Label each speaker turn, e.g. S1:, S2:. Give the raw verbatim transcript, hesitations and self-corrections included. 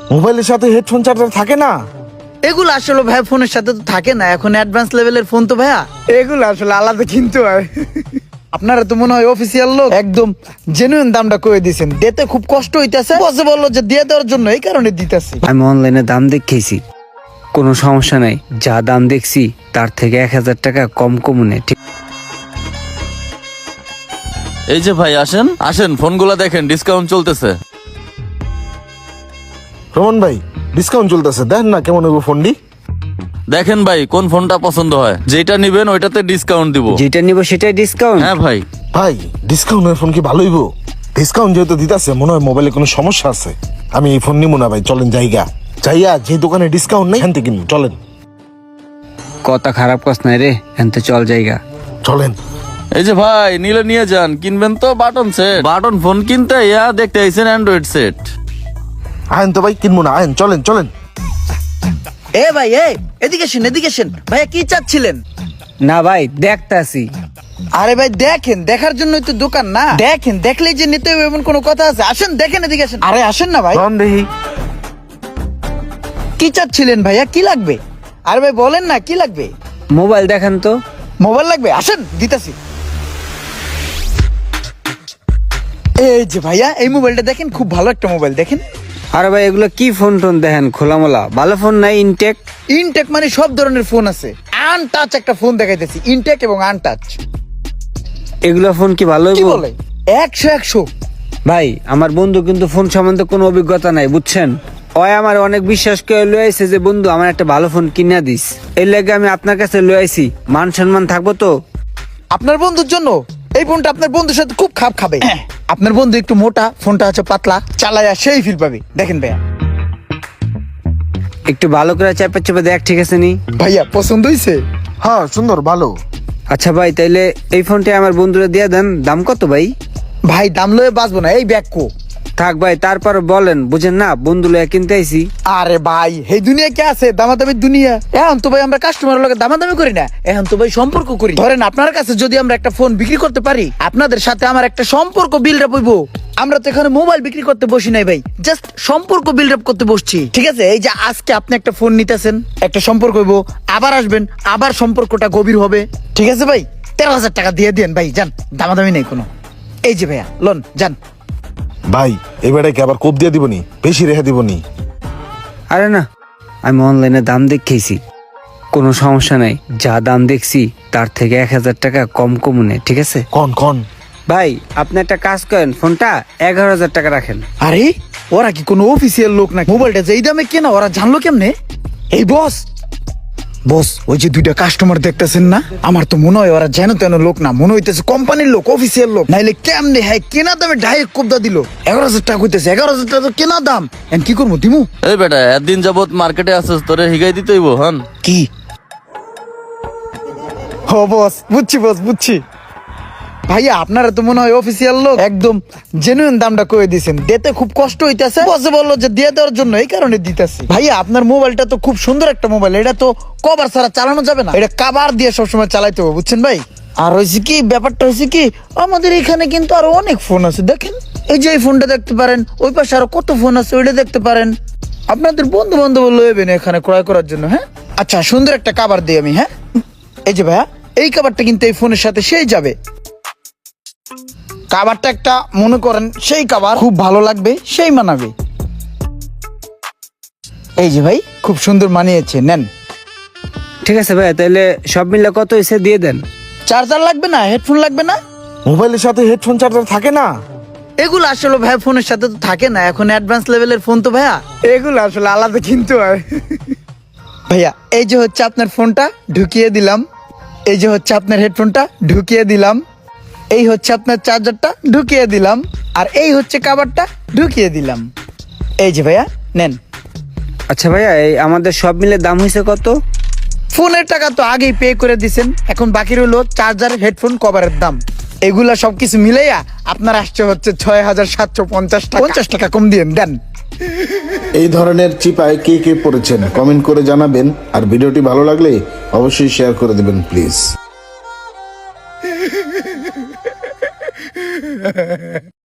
S1: মোবাইলের সাথে headphone charger থাকে না?
S2: এগুলো আসলে ভাই ফোনের সাথে তো থাকে না, এখন অ্যাডভান্স লেভেলের ফোন তো ভাইয়া, এগুলো আসলে আলাদা কিনতে হয়। আপনারা তো মনে হয় অফিসিয়াল লোক, একদম জেনুইন দামটা কয়ে দিয়েছেন, দিতে খুব কষ্ট হইতেছে, বসে বললো যে দিয়ে দেওয়ার জন্য, এই কারণে দিতেছি।
S3: আমি অনলাইনে দাম দেখেছি, কোনো সমস্যা নাই, যা দাম দেখছি তার থেকে এক হাজার টাকা কম কমনে। ঠিক
S4: এই যে ভাই আসেন আসেন, ফোনগুলো দেখেন, ডিসকাউন্ট চলতেছে।
S1: রমন ভাই, ডিসকাউন্ট চলতেছে, দেন না কেমন হইব ফোনটি।
S4: দেখেন ভাই কোন ফোনটা পছন্দ হয়, যেটা নিবেন ওইটাতে ডিসকাউন্ট দিব।
S3: যেটা নিব সেটাই ডিসকাউন্ট?
S4: হ্যাঁ ভাই।
S1: ভাই ডিসকাউন্টের ফোন কি ভালো হইব? ডিসকাউন্ট যেহেতু দিতেছে, মনে হয় মোবাইলে কোনো সমস্যা আছে। আমি এই ফোন নিবো না ভাই, চলেন জায়গা যাইয়া যে দোকানে ডিসকাউন্ট নেই হ্যান্তে কিনবো, চলেন।
S3: কথা খারাপ কস নাই রে, এনতে চল জায়গা।
S1: চলেন।
S4: এই যে ভাই নিলে নিয়ে যান, কিনবেন তো বাটন সেট, বাটন ফোন কিনতে ইয়া দেখতে আইছেন অ্যান্ড্রয়েড সেট।
S1: আয়েন তো ভাই, কিনবো না, আয়েন, চলেন চলেন।
S2: এ ভাই এ এদিকে শুন, এদিকে শুন ভাইয়া, কি চাচ্ছিলেন?
S3: না ভাই দেখতাছি।
S2: আরে ভাই দেখেন, দেখার জন্যই তো দোকান না, দেখেন, দেখলেই যে নিতে হবে এমন কোনো কথা আছে? আসেন দেখেন, এদিকে আসেন। আরে আসেন না ভাই।
S1: রন দেখি।
S2: কি চাচ্ছিলেন ভাইয়া, কি লাগবে? আরে ভাই বলেন না কি লাগবে।
S3: মোবাইল দেখেন তো।
S2: মোবাইল লাগবে, আসেন দিতাছি। এই যে ভাইয়া, এই মোবাইলটা দেখেন, খুব ভালো একটা মোবাইল, দেখেন।
S3: আরে ভাই এগুলো কি ফোন টোন দেখেন, খোলামোলা ভালো ফোন নাই? ইনটেক?
S2: ইনটেক মানে সব ধরনের ফোন আছে, আনটাচ একটা ফোন দেখাইতেছি, ইনটেক এবং আনটাচ।
S3: এগুলো ফোন কি ভালো
S2: কি
S3: হইবো?
S2: বলে একশো একশো।
S3: ভাই আমার বন্ধু কিন্তু ফোন সম্বন্ধে কোনো অভিজ্ঞতা নাই, বুঝছেন? ওই আমার অনেক বিশ্বাস করে লয়ে আইছে যে বন্ধু আমার একটা ভালো ফোন কিনা দিস, এর লাগে আমি আপনার কাছে লয়ে আইছি। মান সম্মান থাকবো তো?
S2: আপনার বন্ধুর জন্য এই ফোনটা আপনার বন্ধুর সাথে খুব খাপ খাবে। আপনার বন্ধু একটু মোটা, ফোনটা হচ্ছে পাতলা, চালায়া সেই ফিল পাবে। দেখেন ভাইয়া,
S3: একটু ভালো করে চাপে চাপে দেখ, ঠিক আছে নি?
S2: ভাইয়া পছন্দ হয়েছে?
S1: হ্যাঁ সুন্দর, ভালো।
S3: আচ্ছা ভাই তাইলে এই ফোনটা আমার বন্ধুরা দিয়ে দেন। দাম কত ভাই?
S2: ভাই দাম লয়ে বাঁচবো না, এই ব্যাগ কো।
S3: থাক ভাই, তারপর বলেন, বুঝেন না বন্ধু লয়ে কিনতে আইছি।
S2: আরে ভাই এই দুনিয়া কে আছে দামাদামির দুনিয়া? এখন তো ভাই আমরা কাস্টমারের লগে দামাদামি করি না, এখন তো ভাই সম্পর্ক করি। ধরেন আপনার কাছে যদি আমরা একটা ফোন বিক্রি করতে পারি, আপনাদের সাথে আমার একটা সম্পর্ক বিল্ড আপ হইবো। আমরা তো এখানে মোবাইল বিক্রি করতে বসি নাই ভাই, জাস্ট সম্পর্ক বিল্ড আপ করতে বসছি, ঠিক আছে? এই যে আজকে আপনি একটা ফোন নিতেছেন, একটা সম্পর্ক হইবো, আবার আসবেন, আবার সম্পর্কটা গভীর হবে, ঠিক আছে ভাই? তেরো হাজার টাকা দিয়ে দেন ভাই, যান, দামাদামি নেই কোনো। এই যে ভাইয়া লোন, যান।
S1: ভাই এবারে কি আবার কোপ দিয়ে দিবনি? বেশি রেখে দিবনি?
S3: আরে না, আমি অনলাইনে দাম দেখেছি, কোনো সমস্যা নাই, যা দাম দেখছি তার থেকে এক হাজার টাকা কম কমনে। ঠিক আছে
S1: কন কন।
S3: ভাই আপনি একটা কাজ করেন, ফোনটা এগারো হাজার টাকা রাখেন।
S2: আরে ওরা কি কোনো অফিসিয়াল লোক না? মোবাইলটা যেই দামে কেনা ওরা জানলো কেমনে? এই বস বস ওই যে দুইটা কাস্টমার দেখতেছেন না, আমার তো মনে হয় ওরা যেন তেন লোক না, মনে হইতেছে কোম্পানির লোক, অফিসিয়াল লোক। নাইলে কেমনে হ্যাঁ কেনা দামে ডাইরেক্ট কোবদা দিল। এগারো হাজার টাকা হইতেছে, এগারো হাজার টাকা তো কেনা দাম। এখন কি করবো, দিমু?
S4: এই বেটা একদিন যাবত মার্কেটে আসছিস, তোরে হিগাই দিতে হইব। হন
S2: কি? ও বস, বুঝছি বস, বুঝছি। ভাইয়া আপনারা তো মনে হয় অফিসিয়াল লোক, একদম জেনুইন দামটা কয়ে দিয়েছেন, দিতে খুব কষ্ট হইতেছে, বসে বললো যে দিয়ে দেওয়ার জন্য, এই কারণে দিতেছি। ভাইয়া আপনার মোবাইলটা তো খুব সুন্দর একটা মোবাইল, এটা তো কভার ছাড়া চালানো যাবে না, এটা কাভার দিয়ে সবসময় চালাইতে হবে, বুঝছেন ভাই? আর হয়েছে কি, ব্যাপারটা হয়েছে কি, আমাদের এখানে কিন্তু আরো অনেক ফোন আছে, দেখেন এই যে এই ফোনটা দেখতে পারেন, ওই পাশে আরো কত ফোন আছে, ওইটা দেখতে পারেন। আপনাদের বন্ধু বান্ধব লইবেন এখানে ক্রয় করার জন্য। হ্যাঁ আচ্ছা, সুন্দর একটা কাভার দিই আমি। হ্যাঁ এই যে ভাইয়া, এই কাভারটা কিন্তু এই ফোনের সাথে সেই যাবে। কাভারটা একটা মনে করেন সেই কাভার, খুব ভালো লাগবে, সেই মানাবে। এই যে ভাই, খুব সুন্দর মানিয়েছে, নেন।
S3: ঠিক আছে ভাই, তাহলে সব মিলে কত হয়েছে দিয়ে দেন।
S2: চার্জার লাগবে না? হেডফোন লাগবে না?
S1: মোবাইলের সাথে হেডফোন চার্জার থাকে না?
S2: এগুলো আসলে ভাই ফোনের সাথে তো থাকে না, এখন অ্যাডভান্স লেভেলের ফোন তো ভাইয়া, এগুলো আসলে আলাদা কিনতে হয়। ভাইয়া এই যে হচ্ছে আপনার ফোনটা ঢুকিয়ে দিলাম, এই যে হচ্ছে আপনার হেডফোনটা ঢুকিয়ে দিলাম, এই হচ্ছে আপনার চার্জারটা ঢুকিয়ে দিলাম, আর এই হচ্ছে কাভারটা ঢুকিয়ে দিলাম। এই যে ভাইয়া নেন।
S3: আচ্ছা ভাইয়া, এই আমাদের সব মিলে দাম হয়েছে কত?
S2: ফোনের টাকা তো আগেই পে করে দিছেন, এখন বাকি রইলো চার্জার, হেডফোন, কভারের দাম। এগুলা সবকিছু মিলাইয়া আপনার আসছে হচ্ছে ছয় হাজার সাতশো পঞ্চাশ টাকা। পঞ্চাশ টাকা কম দিয়ে দেন।
S5: এই ধরনের চিপায় কে কে পড়েছেন কমেন্ট করে জানাবেন, আর ভিডিওটি ভালো লাগলে অবশ্যই শেয়ার করে দেবেন প্লিজ।